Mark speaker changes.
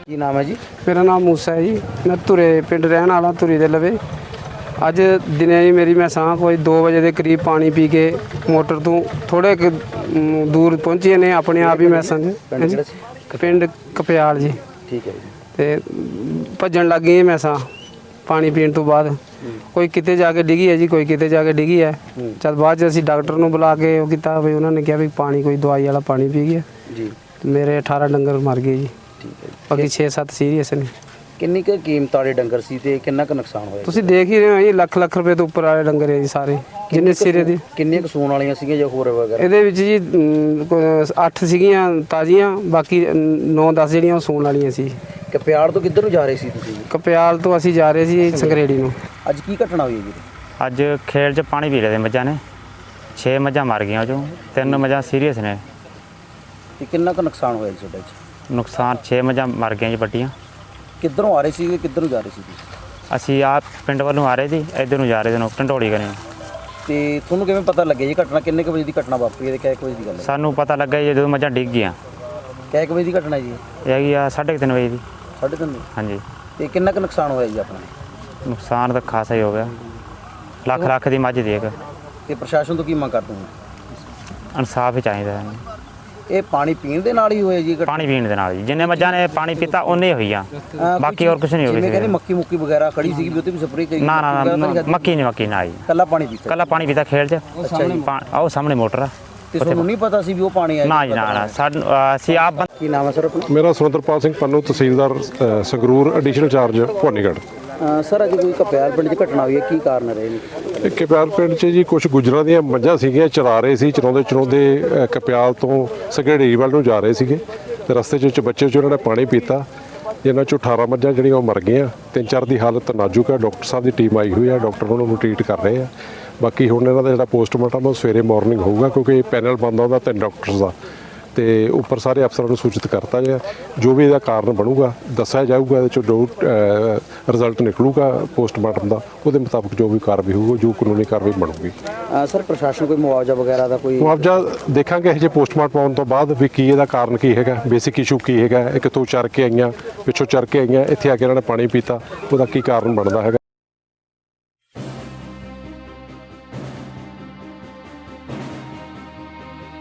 Speaker 1: ਕੀ ਨਾਮ ਹੈ ਜੀ?
Speaker 2: मेरा नाम मूसा है जी। मैं धुरे पिंड रहने वाला, धुरी दे लवे। अज दिने जी मेरी मैं सां कोई 2 बजे के करीब पानी पी के मोटर तो थोड़े दूर पहुँचे ने अपने आप ही मैं समझ पिंड कपयाल जी।
Speaker 1: ठीक है जी।
Speaker 2: ते भजन लग गई मैं सां पानी पीने तो बाद कोई किते जाके डिगी है जी, कोई किते जाके डिगी है। चल बाद च असीं डॉक्टर नूं बुला के वो कीता भी उन्होंने कहा भी पानी कोई दवाई वाला पानी पी गया
Speaker 1: जी।
Speaker 2: मेरे 18 डंगर मर गए जी।
Speaker 1: ठीक है जी।
Speaker 2: बाकी 6-7 सीरीयस ने।
Speaker 1: ਕਿੰਨੀ ਕੁ ਕੀਮਤ ਵਾਲੇ ਡੰਗਰ ਸੀ ਤੇ ਕਿੰਨਾ ਕੁ ਨੁਕਸਾਨ ਹੋਇਆ?
Speaker 2: ਤੁਸੀਂ ਦੇਖ ਹੀ ਰਹੇ ਹੋ ਜੀ, ਲੱਖ ਰੁਪਏ ਤੋਂ ਉੱਪਰ ਵਾਲੇ ਡੰਗਰ ਹੈ ਜੀ ਸਾਰੇ ਜਿੰਨੇ ਸਿਰੇ ਦੇ।
Speaker 1: ਕਿੰਨੀਆਂ ਕੁ ਸੂਣ ਵਾਲੀਆਂ ਸੀਗੀਆਂ ਜਾਂ ਹੋਰ ਵਗੈਰਾ?
Speaker 2: ਇਹਦੇ ਵਿੱਚ ਜੀ 8 ਸੀਗੀਆਂ ਤਾਜ਼ੀਆਂ, ਬਾਕੀ 9-10 ਜਿਹੜੀਆਂ ਉਹ ਸੂਣ ਵਾਲੀਆਂ ਸੀ।
Speaker 1: ਕਪਿਆੜ ਤੋਂ ਕਿੱਧਰ ਨੂੰ ਜਾ ਰਹੇ ਸੀ ਤੁਸੀਂ?
Speaker 2: ਕਪਿਆਲ ਤੋਂ ਅਸੀਂ ਜਾ ਰਹੇ ਸੀ ਸੰਗਰੇੜੀ ਨੂੰ।
Speaker 1: ਅੱਜ ਕੀ ਘਟਨਾ ਹੋਈ ਹੈ ਜੀ?
Speaker 3: ਅੱਜ ਖੇਲ 'ਚ ਪਾਣੀ ਪੀ ਰਹੇ ਤੇ ਮੱਝਾਂ ਨੇ 6 ਮੱਝਾਂ ਮਰ ਗਈਆਂ, ਉਹ 'ਚੋਂ 3 ਮੱਝਾਂ ਸੀਰੀਅਸ ਨੇ।
Speaker 1: ਤੇ ਕਿੰਨਾ ਕੁ ਨੁਕਸਾਨ ਹੋਇਆ ਜੀ ਤੁਹਾਡੇ 'ਚ?
Speaker 3: ਨੁਕਸਾਨ 6 ਮੱਝਾਂ ਮਰ ਗਈਆਂ ਜੀ ਵੱਡੀਆਂ।
Speaker 1: ਕਿੱਧਰੋਂ ਆ ਰਹੇ ਸੀ ਤੇ ਕਿੱਧਰ ਨੂੰ ਜਾ ਰਹੇ ਸੀ ਤੁਸੀਂ?
Speaker 3: ਅਸੀਂ ਆਪ ਪਿੰਡ ਵੱਲੋਂ ਆ ਰਹੇ ਸੀ, ਇੱਧਰ ਨੂੰ ਜਾ ਰਹੇ ਸੀ ਢੰਡੋਲੀ ਕਰੇ।
Speaker 1: ਤੇ ਤੁਹਾਨੂੰ ਕਿਵੇਂ ਪਤਾ ਲੱਗਿਆ ਜੀ ਘਟਨਾ ਕਿੰਨੇ ਕੁ ਵਜੇ ਦੀ ਘਟਨਾ ਵਾਪਰੀ ਹੈ ਤੇ ਕਿੰਨੇ ਕੁ ਵਜੇ ਦੀ ਗੱਲ ਹੈ?
Speaker 3: ਸਾਨੂੰ ਪਤਾ ਲੱਗਾ ਜੀ ਜਦੋਂ ਮੱਝਾਂ ਡਿੱਗ ਗਈਆਂ।
Speaker 1: ਕਿੰਨੇ ਕੁ ਵਜੇ ਦੀ ਘਟਨਾ ਜੀ?
Speaker 3: ਇਹ ਹੈਗੀ ਆ 3:30 ਵਜੇ ਦੀ।
Speaker 1: 3:30?
Speaker 3: ਹਾਂਜੀ।
Speaker 1: ਤੇ ਕਿੰਨਾ ਕੁ ਨੁਕਸਾਨ ਹੋਇਆ ਜੀ ਆਪਣਾ?
Speaker 3: ਨੁਕਸਾਨ ਤਾਂ ਖਾਸਾ ਹੀ ਹੋ ਗਿਆ, ਲੱਖ ਦੀ ਮੱਝ ਦੀ ਇੱਕ।
Speaker 1: ਤੇ ਪ੍ਰਸ਼ਾਸਨ ਤੋਂ ਕੀ ਮੰਗ ਕਰਦੇ ਹੋ?
Speaker 3: ਇਨਸਾਫ ਹੀ ਚਾਹੀਦਾ ਹੈ।
Speaker 1: ਇਹ ਪਾਣੀ ਪੀਣ ਦੇ ਨਾਲ ਹੀ ਹੋਇਆ ਜੀ ਘਟਨਾ?
Speaker 3: ਪਾਣੀ ਪੀਣ ਦੇ ਨਾਲ ਜੀ, ਜਿੰਨੇ ਮੱਝਾਂ ਨੇ ਪਾਣੀ ਪੀਤਾ ਉਹਨੇ ਹੋਈਆਂ, ਬਾਕੀ ਹੋਰ ਕੁਝ ਨਹੀਂ ਹੋ
Speaker 1: ਜਿਵੇਂ ਕਹਿੰਦੇ
Speaker 3: ਗਿਆ।
Speaker 1: ਮੱਕੀ ਵਗੈਰਾ ਖੜੀ ਸੀਗੀ ਵੀ ਉੱਤੇ ਵੀ ਸਪਰੇਅ ਕਰੀ?
Speaker 3: ਨਾ ਮੱਕੀ ਨਾ ਜੀ,
Speaker 1: ਕੱਲਾ ਪਾਣੀ ਪੀਤਾ?
Speaker 3: ਕੱਲਾ ਪਾਣੀ ਪੀਤਾ ਖੇਲ 'ਚ। ਉਹ ਸਾਹਮਣੇ ਮੋਟਰ ਆ।
Speaker 1: ਤੇ ਤੁਹਾਨੂੰ ਨਹੀਂ ਪਤਾ ਸੀ ਵੀ ਉਹ ਪਾਣੀ ਆਇਆ?
Speaker 3: ਨਾ ਜੀ ਨਾ ਸਾਨੂੰ ਅਸੀਂ ਆਪ
Speaker 1: ਕੀ ਨਾਮ ਹੈ ਸਰ ਆਪਣਾ?
Speaker 4: ਮੇਰਾ Surinderpal Singh Pannu, tehsildar Sangrur, additional incharge Bhawanigarh.
Speaker 1: Sir ਅੱਜ ਕੋਈ ਕਪਿਆਲ ਪਿੰਡ 'ਚ ਘਟਨਾ ਹੋਈ ਹੈ, ਕੀ ਕਾਰਨ ਰਹੇ ਨੇ?
Speaker 4: ਇਹ ਕਪਿਆਲ ਪਿੰਡ 'ਚ ਜੀ ਕੁਝ ਗੁੱਜਰਾਂ ਦੀਆਂ ਮੱਝਾਂ ਸੀਗੀਆਂ, ਚਰਾ ਰਹੇ ਸੀ। ਚਰਾਉਂਦੇ ਕਪਿਆਲ ਤੋਂ ਸੰਘੇੜੀ ਵੱਲ ਨੂੰ ਜਾ ਰਹੇ ਸੀਗੇ ਤੇ ਰਸਤੇ 'ਚ ਬੱਚੇ 'ਚ ਉਹਨਾਂ ਨੇ ਪਾਣੀ ਪੀਤਾ, ਜਿਨ੍ਹਾਂ 'ਚੋਂ 18 ਮੱਝਾਂ ਜਿਹੜੀਆਂ ਉਹ ਮਰ ਗਈਆਂ। 3-4 ਦੀ ਹਾਲਤ ਨਾਜ਼ੁਕ ਹੈ। ਡਾਕਟਰ ਸਾਹਿਬ ਦੀ ਟੀਮ ਆਈ ਹੋਈ ਹੈ, ਡਾਕਟਰ ਉਹਨਾਂ ਨੂੰ ਟਰੀਟ ਕਰ ਰਹੇ ਆ। ਬਾਕੀ ਹੁਣ ਇਹਨਾਂ ਦਾ ਜਿਹੜਾ ਪੋਸਟਮਾਰਟਮ ਉਹ ਸਵੇਰੇ ਮਾਰਨਿੰਗ ਹੋਊਗਾ, ਕਿਉਂਕਿ ਪੈਨਲ ਬਣਦਾ ਉਹਦਾ 3 ਡਾਕਟਰਸ ਦਾ, ਤੇ ਉੱਪਰ ਸਾਰੇ ਅਫਸਰਾਂ ਨੂੰ ਸੂਚਿਤ ਕਰਤਾ ਗਿਆ। ਜੋ ਵੀ ਇਹਦਾ ਕਾਰਨ ਬਣੂਗਾ ਦੱਸਿਆ ਜਾਊਗਾ, ਇਹਦੇ 'ਚੋਂ ਜੋ ਰਿਜ਼ਲਟ ਨਿਕਲੂਗਾ ਪੋਸਟਮਾਰਟਮ ਦਾ, ਉਹਦੇ ਮੁਤਾਬਕ ਜੋ ਵੀ ਕਾਰਵਾਈ ਹੋਊਗੀ, ਜੋ ਕਾਨੂੰਨੀ ਕਾਰਵਾਈ ਬਣੂਗੀ।
Speaker 1: ਸਰ ਪ੍ਰਸ਼ਾਸਨ ਕੋਈ ਮੁਆਵਜ਼ਾ ਵਗੈਰਾ ਦਾ ਕੋਈ?
Speaker 4: ਮੁਆਵਜ਼ਾ ਦੇਖਾਂਗੇ ਇਹ ਜੇ ਪੋਸਟਮਾਰਟਮ ਆਉਣ ਤੋਂ ਬਾਅਦ ਵੀ ਕੀ ਇਹਦਾ ਕਾਰਨ ਕੀ ਹੈਗਾ, ਬੇਸਿਕ ਇਸ਼ੂ ਕੀ ਹੈਗਾ, ਇਹ ਕਿੱਥੋਂ ਚਰ ਕੇ ਆਈਆਂ, ਪਿੱਛੋਂ ਚਰ ਕੇ ਆਈਆਂ, ਇੱਥੇ ਆ ਕੇ ਇਹਨਾਂ ਨੇ ਪਾਣੀ ਪੀਤਾ, ਉਹਦਾ ਕੀ ਕਾਰਨ ਬਣਦਾ ਹੈਗਾ।